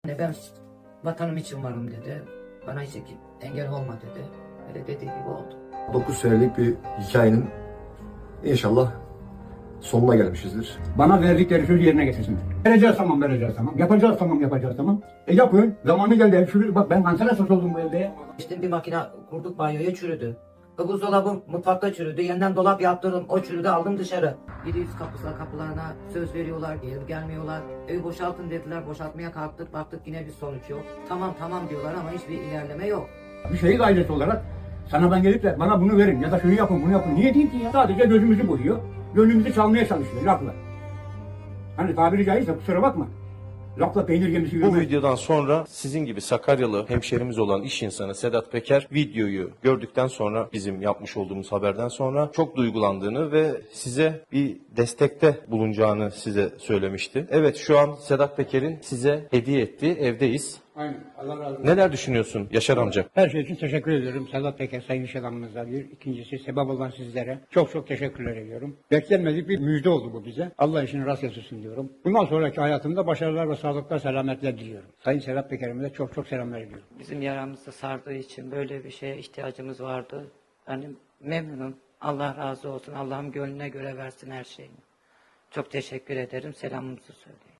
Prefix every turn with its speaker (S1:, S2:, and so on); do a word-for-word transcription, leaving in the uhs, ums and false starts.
S1: Ne ben vatanım için varım dedi. Bana hiç engel olma dedi. Öyle dediği gibi oldu.
S2: dokuz senelik bir hikayenin inşallah sonuna gelmişizdir.
S3: Bana verdikleri sözü yerine getirsinler. Vereceğiz tamam, vereceğiz tamam. Yapacağız tamam, yapacağız tamam. E yapın. Zamanı geldi. Ev çürüdü. Bak ben kanser hastası oldum bu evde.
S1: İşte bir makine kurduk, banyoya çürüdü. Buzdolabım mutfakta çürüdü. Yeniden dolap yaptırdım. O çürüdü, aldım dışarı. yedi yüz kapısına kapılarına söz veriyorlar, geri gelmiyorlar. Evi boşaltın dediler. Boşaltmaya kalktık. Baktık yine bir sonuç yok. Tamam tamam diyorlar ama hiçbir ilerleme yok.
S3: Bir şehit ailesi olarak sana ben gelip de bana bunu verin ya da şunu yapın bunu yapın. Niye diyeyim ki ya? Sadece gözümüzü boyuyor. Gönlümüzü çalmaya çalışıyor lafla. Hani tabiri caizse kusura bakma. Lafla peynir gemisi
S4: Bu
S3: yürümez.
S4: videodan sonra sizin gibi Sakaryalı hemşerimiz olan iş insanı Sedat Peker videoyu gördükten sonra, bizim yapmış olduğumuz haberden sonra çok duygulandığını ve size bir destekte bulunacağını size söylemişti. Evet, şu an Sedat Peker'in size hediye ettiği evdeyiz.
S3: Aynen. Allah razı olsun.
S4: Neler düşünüyorsun Yaşar amca?
S3: Her şey için teşekkür ediyorum. Sedat Peker sayın iş adamımıza bir. İkincisi sebep olan sizlere çok çok teşekkürler ediyorum. Beklenmedik bir müjde oldu bu bize. Allah işini rast getirsin diyorum. Bundan sonraki hayatımda başarılar ve sağlıklar, selametler diliyorum. Sayın Sedat Peker'ime de çok çok selamlar ediyorum.
S5: Bizim yaramızı sardığı için böyle bir şeye ihtiyacımız vardı. Yani memnunum. Allah razı olsun. Allah'ım gönlüne göre versin her şeyini. Çok teşekkür ederim. Selamımızı söyleyin.